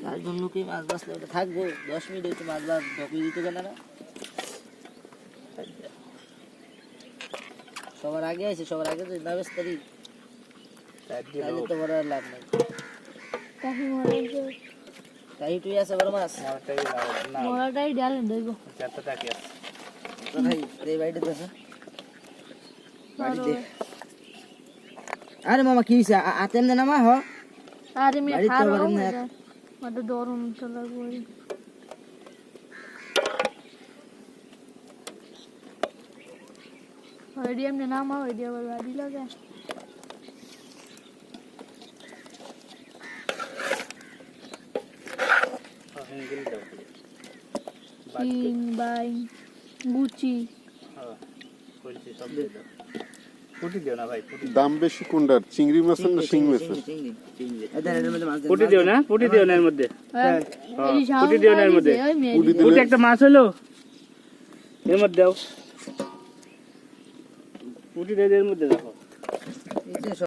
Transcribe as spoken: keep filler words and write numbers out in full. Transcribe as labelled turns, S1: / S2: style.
S1: তার জন্য কি মাছ বাছলে ওটা থাকবো দশ মিনিট একটু মাছ বাছ ঢকিয়ে দিতে গেলে না সবার আগে আছে সবার আগে যদি না বেচতারি তাহলে তো বড় লাভ নাই
S2: কাহি মরে যে
S1: তাই তুই আছে বড় মাছ
S3: মরাটাই না
S2: মরাটাই ডালে দেব
S3: কত টাকা আছে
S1: তো ভাই এই বাইটে আছে বাড়িতে আরে মামা কি হইছে আতেম না মা হ
S2: আরে মে
S1: বাড়িতে
S2: খারাপ
S1: বাড়ি না
S2: মত দরম চলা গই হরিয়াম ने नाम आ हरिया बाड़ी लगा किंग बाई गुची
S3: हां কইছি সব দিয়ে দাও পুটি দিও না ভাই পুটি
S4: দাম বেশি কোনটার চিংড়ি মাছের না শিং মাছের
S1: চিংড়ি চিংড়ি এদের এর মধ্যে মাছ
S3: পুটি দিও না পুটি দিও না এর মধ্যে
S2: হ্যাঁ
S3: পুটি দিও না এর মধ্যে পুটি একটা মাছ হলো এর মধ্যে দাও পুটি দিয়ে এর মধ্যে দেখো
S1: এই যে